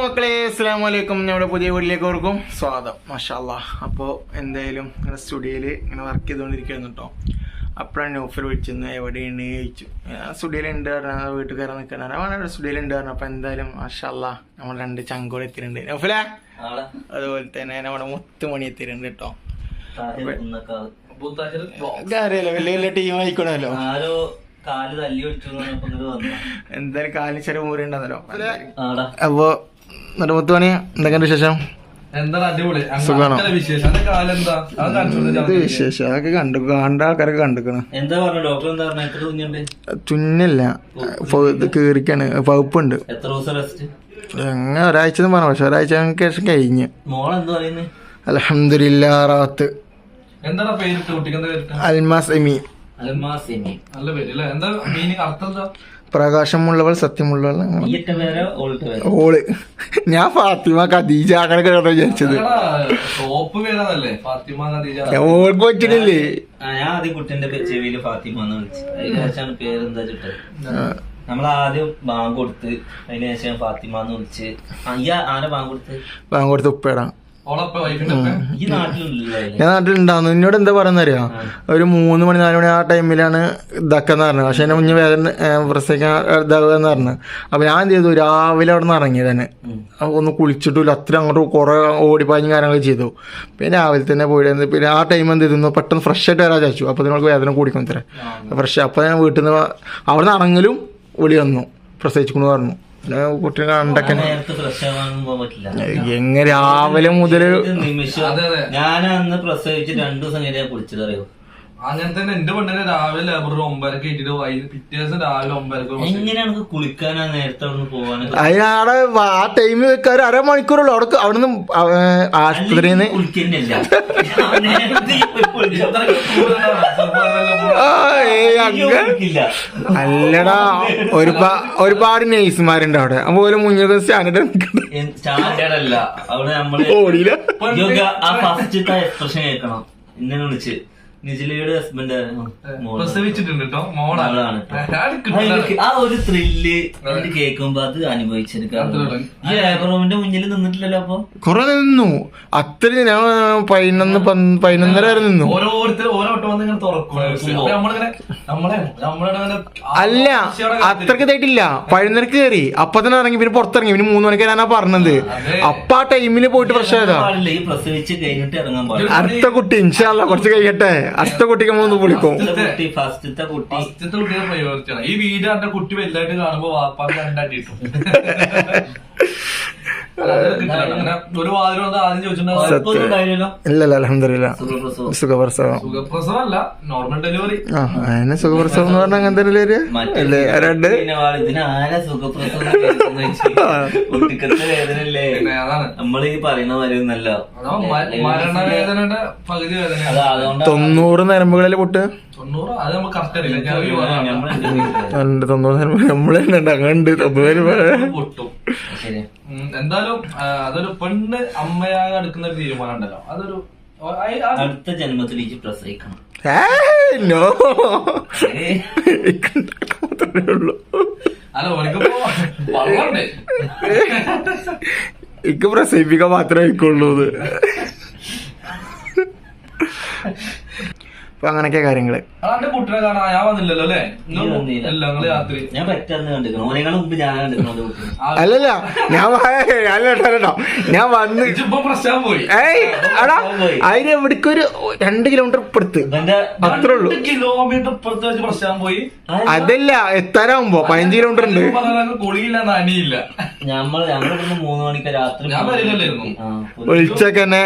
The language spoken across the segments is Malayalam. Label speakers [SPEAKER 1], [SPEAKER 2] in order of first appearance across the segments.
[SPEAKER 1] മക്കളെ, അസ്സലാമു അലൈക്കും. നമ്മുടെ പുതിയ വീട്ടിലേക്ക് ഓർക്കും സ്വാഗതം. മാഷാല്ലാ. അപ്പോൾ എന്തായാലും ഇങ്ങനെ സ്റ്റുഡിയോയിൽ ഇങ്ങനെ വർക്ക് ചെയ്തുകൊണ്ടിരിക്കുകയായിരുന്നു കേട്ടോ. അപ്പോഴാണ് നൗഫൽ വിളിച്ചെന്ന് എവിടെയാണ് ചോദിച്ചു. സ്റ്റുഡിയോയിലുണ്ട് പറഞ്ഞാൽ വീട്ടിൽ കയറാൻ നിൽക്കണം. അവനാണ് സ്റ്റുഡിയോയിലുണ്ട് പറഞ്ഞു. അപ്പോൾ എന്തായാലും മാഷാല്ലാ നമ്മൾ 2 ചങ്കോട് എത്തിയിട്ടുണ്ട്. നൗഫലേ അതുപോലെ തന്നെ നമ്മുടെ മുത്തുമണി എത്തിയിട്ടുണ്ട് കേട്ടോ. അറിയാലോ, വലിയ വലിയ ടീം ആയിക്കോണല്ലോ. എന്തായാലും കാലിന് ചെറിയ മുറിയുണ്ടെന്നല്ലോ. അപ്പൊ മുത്തുമണി എന്തൊക്കെയുണ്ട് വിശേഷം? സുഖാണോ? വിശേഷം അതൊക്കെ കണ്ട ആൾക്കാരൊക്കെ കണ്ടിക്കണ്. ചുന്നില്ല, ഇത് കീറിക്കാണ്, പഴുപ്പുണ്ട്. അങ്ങനെ ഒരാഴ്ച പറഞ്ഞു. പക്ഷെ ഒരാഴ്ച ശേഷം കഴിഞ്ഞ് അൽഹംദുലില്ലാ. റാത്ത് അൽമാസ് പ്രകാശമുള്ളവൾ, സത്യമുള്ളവൾ. ഓള് ഞാൻ ഫാത്തിമ ഖദീജ അങ്ങനെ കേട്ടോ വിചാരിച്ചത്. ഓൾക്ക് പറ്റില്ലേ?
[SPEAKER 2] ഞാൻ ആദ്യം കുട്ടിന്റെ ചെവിയില് ഫാത്തിമ എന്ന് വിളിച്ചു. അതിനുശേഷമാണ് പേരെന്താ ചുട്ടത്. നമ്മളാദ്യം ബാങ്ക് കൊടുത്ത് അതിന് ശേഷം ഫാത്തിമ എന്ന് വിളിച്ച്. ആരെ ബാങ്ക് കൊടുത്ത്
[SPEAKER 1] ഉപ്പേടാ.
[SPEAKER 2] ഞാൻ
[SPEAKER 1] നാട്ടിലുണ്ടാവുന്നു. എന്നോട് എന്താ പറയുന്നറിയോ, ഒരു 3 മണി 4 മണി ആ ടൈമിലാണ് ഇതാക്കാന്ന് പറഞ്ഞത്. പക്ഷെ എന്നെ മുന്നേ വേദന പ്രസവിക്കാൻ ഇതാകുകയെന്ന് പറഞ്ഞു. അപ്പൊ ഞാൻ എന്ത് ചെയ്തു, രാവിലെ അവിടെ നിന്ന് ഇറങ്ങി തന്നെ ഒന്ന് കുളിച്ചിട്ടില്ല. അത്ര അങ്ങോട്ട് കുറെ ഓടിപ്പാഞ്ഞും കാര്യങ്ങൾ ചെയ്തു. പിന്നെ രാവിലെ തന്നെ പോയിട്ട് പിന്നെ ആ ടൈം എന്ത് ചെയ്തു, പെട്ടെന്ന് ഫ്രഷ് ആയിട്ട് വരാൻ ചാച്ചു. അപ്പൊ നിങ്ങൾക്ക് വേദന കൂടിക്കും തരാം ഫ്രഷ്. അപ്പൊ ഞാൻ വീട്ടിൽ നിന്ന് അവിടെ നിന്ന് ഇറങ്ങലും വിളി വന്നു, പ്രസവിച്ചിക്കൊണ്ട് പറഞ്ഞു. കുട്ടിനെ കണ്ടൊക്കെ എങ്ങനെ രാവിലെ മുതല്
[SPEAKER 2] ഞാൻ അന്ന് പ്രസവിച്ച് 2 ദിവസം കഴിഞ്ഞാൽ കുളിച്ചതറിയോ.
[SPEAKER 3] അങ്ങനെ തന്നെ എന്റെ പെണ്ണിനെ രാവിലെ ലേബർ 9:00 ഇട്ടിട്ട് പിറ്റേ ദിവസം രാവിലെ 9:00.
[SPEAKER 2] എങ്ങനെയാണ് കുളിക്കാനാ നേരത്തെ അവിടെ പോവാൻ?
[SPEAKER 1] അതിനാടെ ആ ടൈമിൽ വെക്കാറ് അരമണിക്കൂറുള്ളൂ. അവിടുന്ന് ആശുപത്രിയിൽ നിന്ന് അല്ലടാ, ഒരുപാട് നേഴ്സുമാരുണ്ട് അവിടെ. അതുപോലെ മുന്നേ
[SPEAKER 2] സ്റ്റാൻഡേർഡ് അല്ല അവിടെ. നമ്മള് ആ ഫസ്റ്റത്തെ എക്സ്പ്രഷൻ കേൾക്കണം. ഇന്നെ വിളിച്ച് നിജിലയുടെ ഹസ്ബൻഡ്
[SPEAKER 3] പ്രസവിച്ചിട്ടുണ്ട് കേട്ടോ, മോളാണ്.
[SPEAKER 2] ആ ഒരു ത്രില്ല് കേൾക്കുമ്പോ അത് അനുഭവിച്ചെടുക്കാം. ഈ ലേബർ റൂമിന്റെ മുന്നിൽ നിന്നിട്ടില്ലല്ലോ. അപ്പൊ
[SPEAKER 1] കൊറേ നിന്നു. അത്ര ഞാൻ 11:30 വരെ നിന്നു.
[SPEAKER 3] ഓരോരുത്തർ ഓരോ വട്ടം വന്ന് ഇങ്ങനെ തുറക്കും.
[SPEAKER 1] അല്ല, അത്രക്ക് ഇതായിട്ടില്ല. 11:30 കയറി, അപ്പൊ തന്നെ ഇറങ്ങി. പിന്നെ പുറത്തിറങ്ങി. പിന്നെ 3 മണിക്ക് ഞാനാ പറഞ്ഞത്. അപ്പൊ ആ ടൈമില് പോയിട്ട് പ്രശ്നമായതാ.
[SPEAKER 2] ഈ പ്രസവിച്ച് കഴിഞ്ഞിട്ട് ഇറങ്ങാൻ പാടില്ല.
[SPEAKER 1] അടുത്ത കുട്ടി ഇൻഷാല്ലാ കുറച്ച് കഴിയട്ടെ. അടുത്ത കുട്ടിക്ക് മൂന്ന് വിളിക്കും.
[SPEAKER 2] ഫസ്റ്റത്തെ
[SPEAKER 3] കുട്ടിയെ പ്രയോറിറ്റിയാണ്. ഈ വീട് എന്റെ കുട്ടി വലുതായിട്ട് കാണുമ്പോ വാപ്പാക്ക് 2 അടി കിട്ടും. ഒരു വാതിൽ വന്ന് ആദ്യം ചോദിച്ചിട്ടുണ്ടാവില്ല.
[SPEAKER 1] ഇല്ലല്ല, അൽഹംദുലില്ലാ. സുഖപ്രസവം.
[SPEAKER 3] സുഖപ്രസവമല്ല, നോർമൽ ഡെലിവറി.
[SPEAKER 1] അതിന് സുഖപ്രസവം എന്ന് പറഞ്ഞാൽ അങ്ങനെ തന്നെ അല്ലേ? 2
[SPEAKER 2] നമ്മളീ പറയുന്ന മരുന്നല്ല,
[SPEAKER 3] മരണവേദനയുടെ പകുതി വേദന.
[SPEAKER 1] 90 നരമ്പുകളിൽ പൊട്ട്.
[SPEAKER 3] 90 അത് നമുക്ക് കറക്റ്റ് അറിയില്ല.
[SPEAKER 1] 90 നരമ്പ് നമ്മളെ അങ്ങണ്ട് 90
[SPEAKER 3] പൊട്ടും. എന്തായാലും അതൊരു പെണ്ണ് അമ്മയായി എടുക്കുന്ന ഒരു തീരുമാനം ഉണ്ടല്ലോ. അതൊരു
[SPEAKER 2] അടുത്ത ജന്മത്തിലേക്ക് പ്രസവിക്കണം.
[SPEAKER 3] അല്ല, ഓനിക്കിപ്പോ വളർന്നേ
[SPEAKER 1] എനിക്ക് പ്രസവിപ്പിക്കാൻ മാത്രമേ ആയിക്കുള്ളൂ. അപ്പൊ അങ്ങനൊക്കെ കാര്യങ്ങള്.
[SPEAKER 3] കുട്ടിനെ കാണാൻ ഞാൻ വന്നില്ലല്ലോ അല്ലേ? രാത്രി
[SPEAKER 2] ഞാൻ പറ്റാന്ന് കണ്ടിരിക്കണം. മുമ്പ് ഞാൻ കണ്ടിരിക്കണം.
[SPEAKER 1] അല്ലല്ല, ഞാൻ വന്ന്
[SPEAKER 3] പ്രശ്നം പോയി.
[SPEAKER 1] അതിന് എവിടേക്കൊരു 2 കിലോമീറ്റർ ഇപ്പുറത്ത് അത്രേ ഉള്ളൂ.
[SPEAKER 3] കിലോമീറ്റർ ഇപ്പുറത്ത് വെച്ച് പ്രശ്നം പോയി.
[SPEAKER 1] അതല്ല, എത്താനാവുമ്പോ 15 കിലോമീറ്റർ ഉണ്ട്.
[SPEAKER 3] കുളിയില്ല, നനിയില്ല.
[SPEAKER 2] ഞങ്ങളിവിടുന്ന് 3 മണിക്ക് രാത്രി
[SPEAKER 3] ഞാൻ വരില്ലായിരുന്നു.
[SPEAKER 1] വിളിച്ചൊക്കെ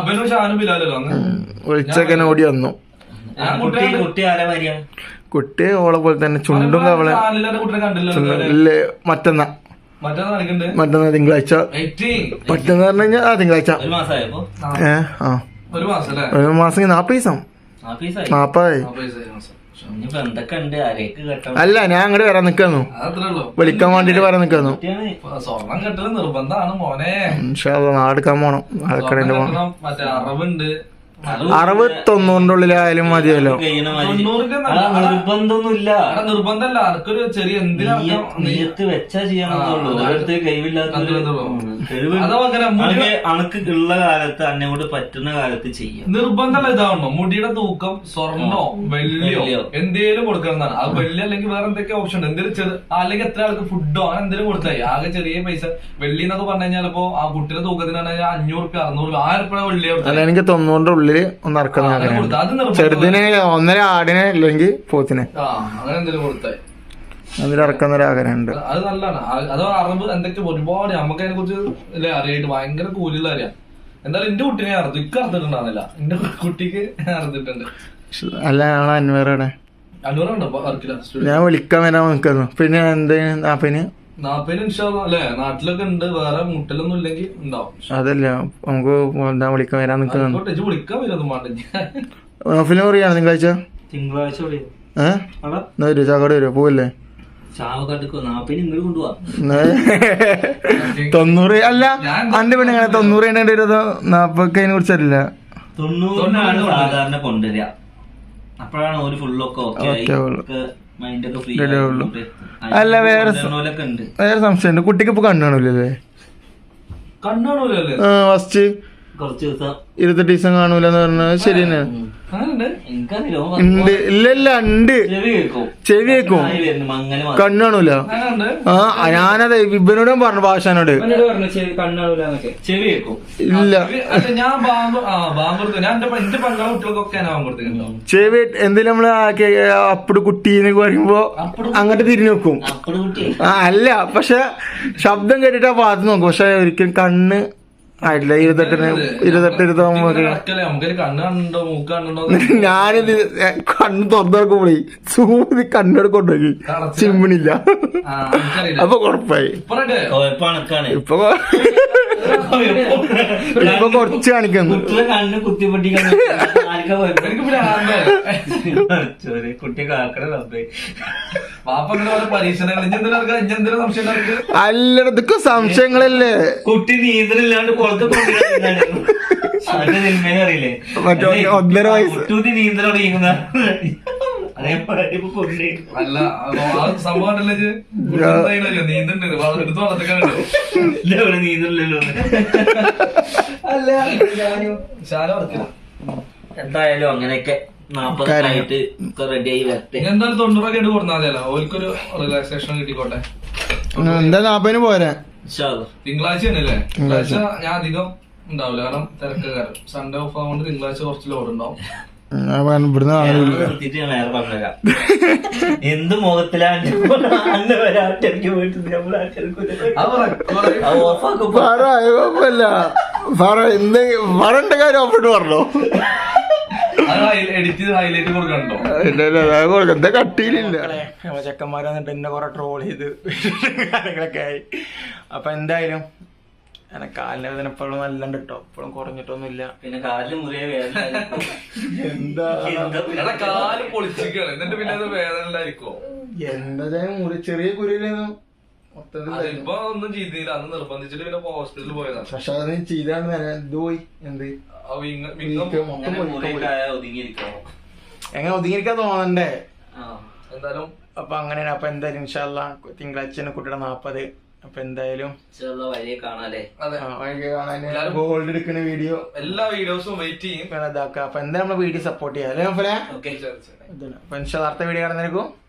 [SPEAKER 1] ഓടി വന്നു. കുട്ടി ഓളെ പോലെ തന്നെ ചുണ്ടും കവളെ. മറ്റന്നാ തിങ്കളാഴ്ച. മറ്റന്ന് പറഞ്ഞു കഴിഞ്ഞാ തിങ്കളാഴ്ച.
[SPEAKER 2] 1 മാസമായപ്പോ
[SPEAKER 1] 1 മാസം 40 ദിവസം 40. അല്ല, ഞാൻ അങ്ങോട്ട് വരാൻ നിക്കാന്നു, വിളിക്കാൻ വേണ്ടിട്ട് വരാൻ നിക്കാന്നു.
[SPEAKER 3] സ്വർണം കെട്ടല് നിർബന്ധമാണ് മോനെ.
[SPEAKER 1] നാടെടുക്കാൻ പോണം.
[SPEAKER 3] മറ്റേ അറവുണ്ട്,
[SPEAKER 1] 60-90 ഉള്ളിലായാലും മതിയല്ലോ.
[SPEAKER 2] കഴിയണ മാതിരി.
[SPEAKER 3] 90
[SPEAKER 2] നിർബന്ധമൊന്നുമില്ല.
[SPEAKER 3] നിർബന്ധമല്ല, അനക്കൊരു ചെറിയ എന്തിനാ
[SPEAKER 2] നീയത്ത് വെച്ചാ ചെയ്യണമെന്നുള്ളൂ. ഓരോരുത്തർ കഴിവില്ലാത്ത അണക്ക് ഉള്ള കാലത്ത് അന്നെ കൊണ്ട് പറ്റുന്ന കാലത്ത് ചെയ്യാം.
[SPEAKER 3] നിർബന്ധമല്ല ഇതാവണോ, മുടിയുടെ തൂക്കം സ്വർണ്ണോ വെള്ളിയോ എന്തേലും കൊടുക്കണമെന്നാണ്. അത് വെള്ളി അല്ലെങ്കിൽ വേറെ എന്തൊക്കെ ഓപ്ഷൻ ഉണ്ട്, എന്തെങ്കിലും അല്ലെങ്കിൽ എത്ര ആൾക്ക് ഫുഡോ അങ്ങനെ എന്തെങ്കിലും കൊടുത്തായി. ആകെ ചെറിയ പൈസ വെള്ളി എന്നൊക്കെ പറഞ്ഞു കഴിഞ്ഞാൽ ഇപ്പൊ ആ കുട്ടിയുടെ തൂക്കത്തിനാണ് 500 രൂപ 600 രൂപ 1000 രൂപ വെള്ളി.
[SPEAKER 1] എനിക്ക് 90 ഉള്ളില് ഒന്ന് ഇറക്കുന്ന ആഗ്രഹം. ചെറുതിന് 1.5 ആടിനെ അല്ലെങ്കിൽ പോത്തിനെ
[SPEAKER 3] അങ്ങനെ എന്തെങ്കിലും കൊടുത്തായി
[SPEAKER 1] അതിൽ ഇറക്കുന്ന ഒരു ആഗ്രഹമുണ്ട്.
[SPEAKER 3] അത് നല്ലതാണ്. അത് അറിവ് എന്തൊക്കെ ഒരുപാട് നമുക്ക് അതിനെ കുറിച്ച് അല്ലെ അറിയായിട്ട് ഭയങ്കര കൂലിയുള്ള അറിയാം. എന്തായാലും എന്റെ കുട്ടീനെ അറുത്തു, ഇക്ക് അറുത്തിട്ടുണ്ടാകുന്നില്ല, എന്റെ കുട്ടിക്ക് അറുത്തിട്ടുണ്ട്.
[SPEAKER 1] അല്ല ഞങ്ങൾ അൻവറയുടെ
[SPEAKER 3] അഞ്ഞൂറുണ്ടോ വർക്കില്ല?
[SPEAKER 1] ഞാൻ വിളിക്കാൻ വരാൻ നിൽക്കുന്നു. പിന്നെ എന്ത്
[SPEAKER 3] 40 ഇൻഷാല്ലാ അല്ലെ, നാട്ടിലൊക്കെ ഉണ്ട്. വേറെ മുട്ടലൊന്നും ഇല്ലെങ്കിൽ ഉണ്ടാവും.
[SPEAKER 1] അതല്ല നമുക്ക് എന്താ വിളിക്കാൻ വരാൻ നിൽക്കുന്നു.
[SPEAKER 3] വിളിക്കാൻ വരും വേണ്ട.
[SPEAKER 1] ഫിലിം പറയാണ് തിങ്കളാഴ്ച.
[SPEAKER 2] തിങ്കളാഴ്ച
[SPEAKER 1] വരും, ചാക്കോട് വരുമോ? പോവല്ലേ? 90 അല്ല അന്റെ പിന്നെ 90 40 അതിനെ കുറിച്ചറിയില്ല.
[SPEAKER 2] 90 സാധാരണ കൊണ്ടുവരിക. അപ്പോഴാണ് ഒരു ഫുള്ളൊക്കെ മൈൻഡൊക്കെ ഫ്രീ.
[SPEAKER 1] അല്ല വേറെ സംശയമുണ്ട്, കുട്ടിക്ക് ഇപ്പൊ കണ്ണാണൂലേ?
[SPEAKER 3] കണ്ണാണൂലല്ലേ?
[SPEAKER 1] ഫസ്റ്റ്
[SPEAKER 2] കുറച്ച് ദിവസം
[SPEAKER 1] 28 ദിവസം കാണൂലെന്ന് പറഞ്ഞത് ശരി തന്നെയാണ്. ഉണ്ട് ഇല്ല ഉണ്ട്, ചെവി കേക്കും, കണ്ണാണൂല. ഞാനത് ഇവനോട് പറഞ്ഞു, ഭാഷനോട് ഇല്ല. ചെവി എന്തെങ്കിലും നമ്മള് അപ്പട് കുട്ടീന്ന് പറയുമ്പോ അങ്ങോട്ട് തിരിഞ്ഞു നോക്കും. അല്ല പക്ഷെ ശബ്ദം കേട്ടിട്ട് ആ ഭാഗത്ത് നോക്കും, പക്ഷെ ഒരിക്കലും കണ്ണ് ആയിട്ടില്ല. 28 ഞാനിത് കണ്ണ് തുറന്നോക്കുമ്പോഴേ സൂതി കണ്ണോട് കൊണ്ടുപോയി ചിമ്മിണില്ല. അപ്പൊ കൊഴപ്പായി. ഇപ്പൊ കുറച്ച് കാണിക്കുന്നു. അല്ല ഇതൊക്കെ സംശയങ്ങളല്ലേ.
[SPEAKER 2] കുട്ടി നീന്തലില്ലാണ്ട് അറിയില്ലേ,
[SPEAKER 1] മറ്റേ 1.5 വയസ്സ്
[SPEAKER 2] നീന്തലോട് ചെയ്യുന്ന
[SPEAKER 3] അല്ല സംഭവം
[SPEAKER 2] നീന്തലല്ലോ. എന്തായാലും അങ്ങനെയൊക്കെ 40 ആയിട്ട് റെഡി ആയി വരട്ടെ.
[SPEAKER 3] എന്തായാലും 90 ഒക്കെ കൊടുത്താൽ മതിയല്ലോ, ഓൽക്കൊരു റിലാക്സേഷൻ കിട്ടിക്കോട്ടെ.
[SPEAKER 1] എന്താ 40 പോരാ?
[SPEAKER 3] തിങ്കളാഴ്ച തന്നെയല്ലേ? തിങ്കളാഴ്ച ഞാൻ അധികം ഉണ്ടാവില്ല, കാരണം തിരക്ക് കാരണം. സൺഡേ ഓഫ് ആവുകൊണ്ട് തിങ്കളാഴ്ച കുറച്ച് ലോഡ് ഉണ്ടാവും.
[SPEAKER 2] എന്ത് മുഖത്തിലാണ്
[SPEAKER 1] പറണ്ട കാര്യം ഓഫിട്ട് പറഞ്ഞോ.
[SPEAKER 3] എഡിറ്റ് ഹൈലൈറ്റ് കൊടുക്കണ്ടോ?
[SPEAKER 1] എന്താ കട്ടിയിലില്ല. ചെക്കന്മാരെ വന്നിട്ട് എന്നെ കൊറേ ട്രോൾ ചെയ്ത് കാര്യങ്ങളൊക്കെ ആയി. അപ്പൊ എന്തായാലും കാലിന് വേദന ഇപ്പോഴും നല്ലണ്ട് കേട്ടോ, ഇപ്പോഴും കുറഞ്ഞിട്ടൊന്നുമില്ല.
[SPEAKER 2] പിന്നെ കാലിന് മുറിയ വേദന
[SPEAKER 3] എന്താ കാല് പൊളിച്ചിരിക്കുകയാണ്, എന്നിട്ട് പിന്നെ അത് വേദനയിലായിരിക്കോ?
[SPEAKER 1] എന്താ മുറി ചെറിയ കുരിയിലേന്നു
[SPEAKER 3] ഇപ്പൊ ഒന്നും ചെയ്തില്ല, അന്ന് നിർബന്ധിച്ചിട്ട് പിന്നെ ഹോസ്പിറ്റലിൽ പോയതാണ്.
[SPEAKER 1] പക്ഷെ അത് ചെയ്താണ് ഇത് പോയി. എന്ത് എങ്ങനെ ഒതുങ്ങിയിരിക്കാൻ തോന്നണ്ടേ?
[SPEAKER 3] എന്തായാലും
[SPEAKER 1] അപ്പൊ അങ്ങനെയാണ്. അപ്പൊ എന്തായാലും ഇൻഷാല്ലാ തിങ്കളാഴ്ച കുട്ടിയുടെ 40. അപ്പൊ എന്തായാലും ഗോൾഡ് എടുക്കുന്ന വീഡിയോ
[SPEAKER 3] എല്ലാ വീഡിയോസും വെയിറ്റ് ചെയ്യും.
[SPEAKER 1] ഇതാക്കാം. അപ്പൊ എന്തായാലും നമ്മള് വീഡിയോ സപ്പോർട്ട് ചെയ്യാം അല്ലേ? അപ്പൊ അടുത്ത വീഡിയോ കാണുന്നേക്കും.